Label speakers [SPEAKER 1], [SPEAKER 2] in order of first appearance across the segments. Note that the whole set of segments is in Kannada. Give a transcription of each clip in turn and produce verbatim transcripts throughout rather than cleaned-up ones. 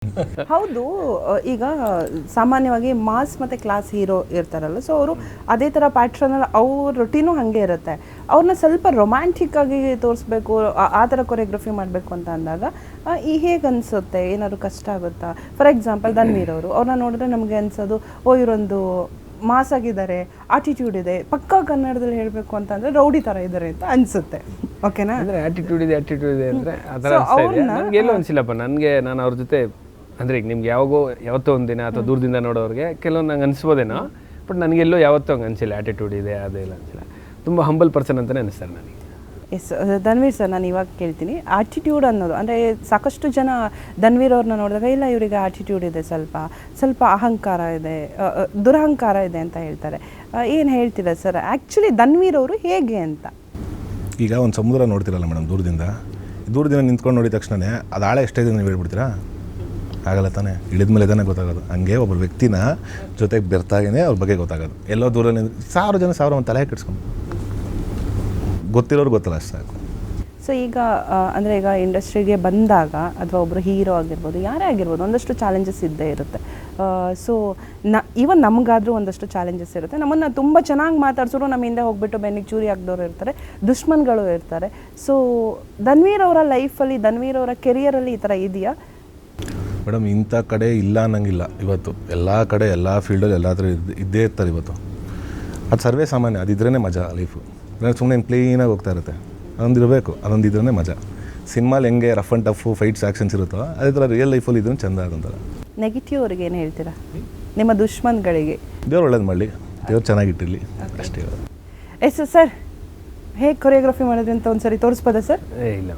[SPEAKER 1] ಹೌದು, ಈಗ ಸಾಮಾನ್ಯವಾಗಿ ಮಾಸ್ ಮತ್ತು ಕ್ಲಾಸ್ ಹೀರೋ ಇರ್ತಾರಲ್ಲ, ಸೊ ಅವರು ಅದೇ ಥರ ಪ್ಯಾಟ್ರನಲ್ಲಿ ಅವ್ರ ರೊಟೀನು ಹಾಗೆ ಇರುತ್ತೆ. ಅವ್ರನ್ನ ಸ್ವಲ್ಪ ರೊಮ್ಯಾಂಟಿಕ್ ಆಗಿ ತೋರಿಸ್ಬೇಕು, ಆ ಥರ ಕೊರಿಯೋಗ್ರಫಿ ಮಾಡಬೇಕು ಅಂತ ಅಂದಾಗ ಈ ಹೇಗೆ ಅನಿಸುತ್ತೆ? ಏನಾದ್ರು ಕಷ್ಟ ಆಗುತ್ತಾ? ಫಾರ್ ಎಕ್ಸಾಂಪಲ್ ಧನ್ವೀರ್ ಅವರು, ಅವ್ರನ್ನ ನೋಡಿದ್ರೆ ನಮಗೆ ಅನ್ಸೋದು ಓ ಇವರೊಂದು ಮಾಸ್ ಆಗಿದ್ದಾರೆ, ಆಟಿಟ್ಯೂಡ್ ಇದೆ, ಪಕ್ಕಾ ಕನ್ನಡದಲ್ಲಿ ಹೇಳಬೇಕು ಅಂತಂದರೆ ರೌಡಿ ಥರ ಇದ್ದಾರೆ ಅಂತ ಅನಿಸುತ್ತೆ. ಓಕೆನಾ?
[SPEAKER 2] ಅಂದರೆ ಆ್ಯಟಿಟ್ಯೂಡ್ ಇದೆ ಆ್ಯಟಿಟ್ಯೂಡ್ ಇದೆ ಅಂದರೆ ಆ ಥರ ಅನಿಸ್ತಾ ಇದೆ. ನನಗೆ ಎಲ್ಲೋ ಅನಿಸಿಲ್ಲಪ್ಪ. ನನಗೆ ನಾನು ಅವ್ರ ಜೊತೆ ಅಂದರೆ ಈಗ ನಿಮ್ಗೆ ಯಾವಾಗೋ ಯಾವತ್ತೋ ಒಂದು ದಿನ ಅಥವಾ ದೂರದಿಂದ ನೋಡೋರಿಗೆ ಕೆಲವೊಂದು ನಂಗೆ ಅನಿಸ್ಬೋದೇನೋ, ಬಟ್ ನನಗೆಲ್ಲೋ ಯಾವತ್ತೂ ಹಂಗೆ ಅನಿಸಿಲ್ಲ. ಆ್ಯಟಿಟ್ಯೂಡ್ ಇದೆ ಅದೇ ಇಲ್ಲ ಅನಿಸಿಲ್ಲ. ತುಂಬ ಹಂಬಲ್ ಪರ್ಸನ್ ಅಂತಲೇ ಅನಿಸ್ತಾರೆ ನನಗೆ.
[SPEAKER 1] ಎಸ್ ಧನ್ವೀರ್ ಸರ್, ನಾನು ಇವಾಗ ಕೇಳ್ತೀನಿ, ಆಟಿಟ್ಯೂಡ್ ಅನ್ನೋದು ಅಂದರೆ ಸಾಕಷ್ಟು ಜನ ಧನ್ವೀರ್ ಅವ್ರನ್ನ ನೋಡಿದಾಗ ಇಲ್ಲ ಇವರಿಗೆ ಆಟಿಟ್ಯೂಡ್ ಇದೆ, ಸ್ವಲ್ಪ ಸ್ವಲ್ಪ ಅಹಂಕಾರ ಇದೆ, ದುರಹಂಕಾರ ಇದೆ ಅಂತ ಹೇಳ್ತಾರೆ. ಏನು ಹೇಳ್ತೀರಾ ಸರ್ ಆ್ಯಕ್ಚುಲಿ ಧನ್ವೀರ್ ಅವರು ಹೇಗೆ ಅಂತ?
[SPEAKER 3] ಈಗ ಒಂದು ಸಮುದ್ರ ನೋಡ್ತಿರಲ್ಲ ಮೇಡಮ್, ದೂರದಿಂದ ದೂರದಿಂದ ನಿಂತ್ಕೊಂಡು ನೋಡಿದ ತಕ್ಷಣವೇ ಅದು ಆಳ ಎಷ್ಟಿದೆ ನೀವು ಹೇಳ್ಬಿಡ್ತೀರಾ? ಆಗಲ್ಲ ತಾನೇ, ಇಳಿದ ಮೇಲೆ ತಾನೇ ಗೊತ್ತಾಗೋದು. ಹಂಗೆ ಒಬ್ಬ ವ್ಯಕ್ತಿನ ಜೊತೆಗೆ ಬೆರ್ತಾಗೇ ಅವ್ರ ಬಗ್ಗೆ ಗೊತ್ತಾಗೋದು. ಎಲ್ಲೋ ದೂರಲ್ಲಿ ಸಾವಿರ ಜನ ಸಾವಿರ ಒಂದು ತಲೆ ಕೆಡ್ಸ್ಕೊಂಡು ಗೊತ್ತಿರೋರು ಗೊತ್ತಲ್ಲ ಅಷ್ಟು ಸಾಕು.
[SPEAKER 1] ಸೊ ಈಗ ಅಂದರೆ ಈಗ ಇಂಡಸ್ಟ್ರಿಗೆ ಬಂದಾಗ ಅಥವಾ ಒಬ್ಬರು ಹೀರೋ ಆಗಿರ್ಬೋದು, ಯಾರೇ ಆಗಿರ್ಬೋದು, ಒಂದಷ್ಟು ಚಾಲೆಂಜಸ್ ಇದ್ದೇ ಇರುತ್ತೆ. ಸೊ ನ ಈವನ್ ನಮಗಾದರೂ ಒಂದಷ್ಟು ಚಾಲೆಂಜಸ್ ಇರುತ್ತೆ. ನಮ್ಮನ್ನು ತುಂಬ ಚೆನ್ನಾಗಿ ಮಾತಾಡ್ಸೋರು ನಮ್ಮ ಹಿಂದೆ ಹೋಗ್ಬಿಟ್ಟು ಬೆನ್ನಿಗೆ ಚೂರಿ ಹಾಕಿದವರು ಇರ್ತಾರೆ, ದುಶ್ಮನ್ಗಳು ಇರ್ತಾರೆ. ಸೊ ಧನ್ವೀರ್ ಅವರ ಲೈಫಲ್ಲಿ, ಧನ್ವೀರ್ ಅವರ ಕೆರಿಯರಲ್ಲಿ ಈ ಥರ ಇದೆಯಾ
[SPEAKER 3] ಮೇಡಮ್? ಇಂಥ ಕಡೆ ಇಲ್ಲ ಅನ್ನಂಗಿಲ್ಲ. ಇವತ್ತು ಎಲ್ಲ ಕಡೆ ಎಲ್ಲ ಫೀಲ್ಡಲ್ಲಿ ಎಲ್ಲ ಥರ ಇದ್ದೇ ಇರ್ತಾರೆ ಇವತ್ತು. ಅದು ಸರ್ವೇ ಸಾಮಾನ್ಯ, ಅದಿದ್ರೇ ಮಜಾ ಲೈಫು. ಸುಮ್ಮನೆ ಕ್ಲೀನಾಗಿ ಹೋಗ್ತಾ ಇರುತ್ತೆ. ಅದೊಂದು ಇರಬೇಕು, ಅದೊಂದು ಇದ್ರೇ ಮಜಾ. ಸಿನಿಮಾಲಿ ಹೆಂಗೆ rough and tough fights actions ಇರುತ್ತೋ ಅದೇ ಥರ ರಿಯಲ್ ಲೈಫಲ್ಲಿ ಇದ್ರೂ ಚೆಂದ ಆದಂತಾರೆ.
[SPEAKER 1] ನೆಗೆಟಿವ್ ಅವ್ರಿಗೆ ಏನು ಹೇಳ್ತೀರಾ? ನಿಮ್ಮ ದುಶ್ಮನ್ಗಳಿಗೆ
[SPEAKER 3] ದೇವ್ರು ಒಳ್ಳೇದು ಮಾಡಲಿ, ದೇವ್ರು ಚೆನ್ನಾಗಿಟ್ಟಿರಲಿ ಅಷ್ಟೇ.
[SPEAKER 1] ಎಸ್ ಸರ್, ಹೇಗೆ ಕೊರಿಯೋಗ್ರಫಿ ಮಾಡಿದ್ರಿ ಅಂತ ಒಂದ್ಸರಿ ತೋರಿಸ್ಬೋದಾ ಸರ್?
[SPEAKER 2] ಇಲ್ಲ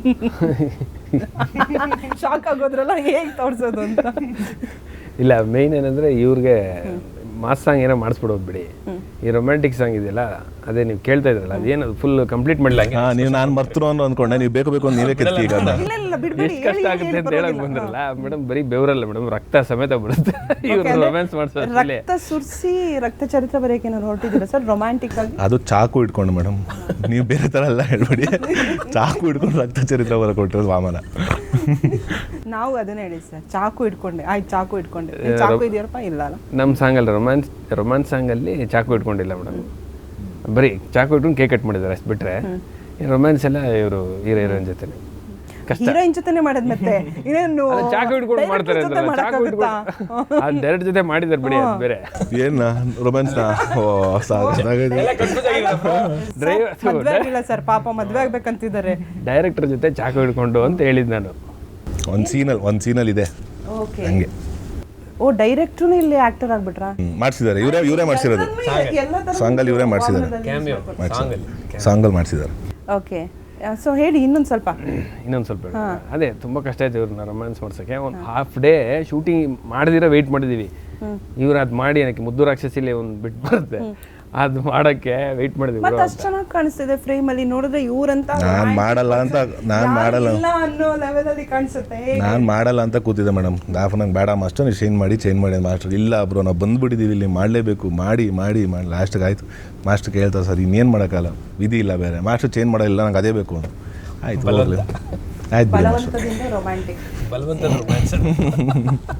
[SPEAKER 1] ಶಾಕ್ ಆಗೋದ್ರಲ್ಲ, ಹೇಗೆ ತೋರಿಸೋದು ಅಂತ.
[SPEAKER 2] ಇಲ್ಲ, ಮೇಯ್ನ್ ಏನಂದರೆ ಇವ್ರಿಗೆ ಮಾಸ್ ಸಾಂಗ್ ಏನೋ ಮಾಡಿಸ್ಬಿಡೋದು ಬಿಡಿ. ಈ ರೊಮ್ಯಾಂಟಿಕ್ ಸಾಂಗ್ ಇದೆಯಲ್ಲ, ಅದೇ ನೀವು ಕೇಳ್ತಾ ಇದ್ರಲ್ಲ, ಅದೇನದು ಫುಲ್ ಕಂಪ್ಲೀಟ್ ಮಾಡಲಿಲ್ಲ.
[SPEAKER 3] ಹಾಂ, ನೀವು ನಾನು ಮರ್ತರು ಅನ್ನೋ ಅಂದ್ಕೊಂಡೆ, ನೀವು ಬೇಕು ಬೇಕು ಅಂತ ನೀವೇ ಕೆತ್ತಿ. ಈಗ
[SPEAKER 2] ಎಷ್ಟು ಕಷ್ಟ ಆಗುತ್ತೆ ಅಂತ ಹೇಳಕ್ ಬಂದ್ರಲ್ಲ ಮೇಡಮ್, ಬರೀ ಬೆವರಲ್ಲ ಮೇಡಮ್, ರಕ್ತ ಸಮೇತ ಬಿಡುತ್ತೆ ಇವ್ರು ರೊಮ್ಯಾನ್ಸ್ ಮಾಡಿಸೋದು.
[SPEAKER 1] ರಕ್ತ ಸುರಿಸಿ ರಕ್ತ ಚರಿತ್ರೆ ಬರೆಯಕ್ಕೆ ಏನಾದ್ರು ಹೊರಟಿದ್ದೀರಾ ಸರ್ ರೊಮ್ಯಾಂಟಿಕ್ ಆಗಿ?
[SPEAKER 3] ಅದು ಚಾಕು ಇಟ್ಕೊಂಡು ಮೇಡಮ್, ನೀವು ಬೇರೆ ಥರ ಎಲ್ಲ ಹೇಳ್ಬೇಡಿ. ಚಾಕು ಇಟ್ಕೊಂಡು ರಕ್ತ ಚರಿತ್ರೆ ಬರ ಕೊಟ್ಟರು ವಾಮನ.
[SPEAKER 1] ನಾವು ಅದನ್ನೇ ಹೇಳಿ ಸರ್, ಚಾಕು ಇಟ್ಕೊಂಡೆ. ಆಯ್ತು, ಚಾಕು ಇಟ್ಕೊಂಡೆ. ಚಾಕು ಇದೆಯಪ್ಪ? ಇಲ್ಲ ಅಲ್ಲ,
[SPEAKER 2] ನಮ್ಮ ಸಾಂಗಲ್ಲಿ ರೊಮ್ಯಾನ್ಸ್ ರೊಮ್ಯಾನ್ಸ್ ಸಾಂಗಲ್ಲಿ ಚಾಕು ಇಟ್ಕೊಂಡಿಲ್ಲ ಮೇಡಮ್, ಬರೀ ಚಾಕು ಇಟ್ಕೊಂಡು ಕೇಕ್ ಕಟ್ ಮಾಡಿದ್ದಾರೆ ಅಷ್ಟು ಬಿಟ್ಟರೆ. ರೊಮ್ಯಾನ್ಸ್ ಎಲ್ಲ ಇವರು ಹೀರೋ ಹೀರೋಯಿನ್ ಜೊತೆ ಕಷ್ಟ.
[SPEAKER 1] ಹೀರೋಯಿನ್ ಜೊತೆನೇ ಮಾಡೋದು, ಮತ್ತೆ ಇನ್ನೇನು
[SPEAKER 2] ಚಾಕು ಇಟ್ಕೊಂಡು ಮಾಡ್ತಾರೆ ಅಂದ್ರಲ್ಲ, ಚಾಕು ಇಟ್ಕೊಂಡು ಅದು ಡೈರೆಕ್ಟ್ ಜೊತೆ ಮಾಡಿದ್ದಾರೆ ಬಿಡಿ, ಅದು ಬೇರೆ.
[SPEAKER 3] ಏನು ರೊಮ್ಯಾನ್ಸ್ನ? ಓ
[SPEAKER 1] ಮದ್ವೆ ಆಗಿಲ್ಲ ಸರ್, ಪಾಪ ಮದ್ವೆ ಆಗ್ಬೇಕಂತಿದ್ದಾರೆ.
[SPEAKER 2] ಡೈರೆಕ್ಟರ್ ಜೊತೆ ಚಾಕು ಹಿಡ್ಕೊಂಡು ಅಂತ ಹೇಳಿದ್ದು ನಾನು.
[SPEAKER 3] ಒಂದು ಸೀನಲ್ಲಿ ಒಂದು ಸೀನಲ್ಲಿ ಇದೆ ಹಂಗೆ.
[SPEAKER 1] ಓ, ಡೈರೆಕ್ಟ್ರು ಇಲ್ಲಿ ಆಕ್ಟರ್ ಆಗ್ಬಿಟ್ರಾ?
[SPEAKER 3] ಮಾಡಿಸಿದ್ದಾರೆ, ಇವರೇ ಇವರೇ ಮಾಡಿಸಿರೋದು. ಸಾಂಗಲ್ಲಿ ಇವರೇ ಮಾಡಿಸಿದ್ದಾರೆ, ಸಾಂಗಲ್ಲಿ ಮಾಡಿಸಿದ್ದಾರೆ.
[SPEAKER 1] ಓಕೆ, ಸೊ ಹೇಳಿ ಇನ್ನೊಂದು ಸ್ವಲ್ಪ.
[SPEAKER 2] ಇನ್ನೊಂದು ಸ್ವಲ್ಪ ಅದೇ ತುಂಬ ಕಷ್ಟ ಆಯ್ತು ಇವ್ರನ್ನ ರೊಮ್ಯಾನ್ಸ್ ಮಾಡ್ಸೋಕ್ಕೆ. ಒಂದು ಹಾಫ್ ಡೇ ಶೂಟಿಂಗ್ ಮಾಡಿದಿರ ವೆಯ್ಟ್ ಮಾಡಿದ್ದೀವಿ. ಇವ್ರು ಅದು ಮಾಡಿ ನನಗೆ ಮುದ್ದು ರಾಕ್ಷಸಿಲಿ ಒಂದು ಬಿಟ್ಟು ಬರುತ್ತೆ, ಅದು ಮಾಡೋಕ್ಕೆ ವೆಯ್ಟ್ ಮಾಡಿದ್ವಿ.
[SPEAKER 1] ಮತ್ತೆ ಅಷ್ಟು ಚೆನ್ನಾಗಿ ಕಾಣಿಸ್ತಿದೆ ಫ್ರೇಮಲ್ಲಿ ನೋಡಿದ್ರೆ, ಇವ್ರಂತ
[SPEAKER 3] ನಾನು ಮಾಡಲ್ಲ ಅಂತ ನಾನು ಮಾಡಲ್ಲ
[SPEAKER 1] ಅನ್ನೋ ಲೆವೆಲಲ್ಲಿ ಕಾಣಿಸುತ್ತೆ.
[SPEAKER 3] ನಾನು ಮಾಡಲ್ಲ ಅಂತ ಕೂತಿದ್ದೆ ಮೇಡಮ್. ದಾಫ್ ನಂಗೆ ಬೇಡ ಮಾಸ್ಟರ್, ನೀವು ಚೇಂಜ್ ಮಾಡಿ ಚೇಂಜ್ ಮಾಡಿ ಮಾಸ್ಟರ್. ಇಲ್ಲ ಬ್ರೋ, ನಾವು ಬಂದುಬಿಟ್ಟಿದ್ದೀವಿ, ಇಲ್ಲಿ ಮಾಡಲೇಬೇಕು, ಮಾಡಿ ಮಾಡಿ ಮಾಡಿ ಲಾಸ್ಟಿಗೆ ಆಯಿತು. ಮಾಸ್ಟರ್ ಕೇಳ್ತಾರೆ, ಸರ್ ಇನ್ನೇನು ಮಾಡೋಕ್ಕಲ್ಲ, ವಿಧಿ ಇಲ್ಲ ಬೇರೆ, ಮಾಸ್ಟರ್ ಚೇಂಜ್ ಮಾಡೋಲ್ಲ, ನಂಗೆ ಅದೇ ಬೇಕು ಅಂತ. ಆಯಿತು, ಹೋಗಲಿ ಆಯ್ತು ಬಿಡಿ ಮಾಸ್ಟರ್.
[SPEAKER 1] ರೊಮ್ಯಾಂಟಿಕ್
[SPEAKER 2] ಬಲವಂತ ರೊಮ್ಯಾನ್ಸ್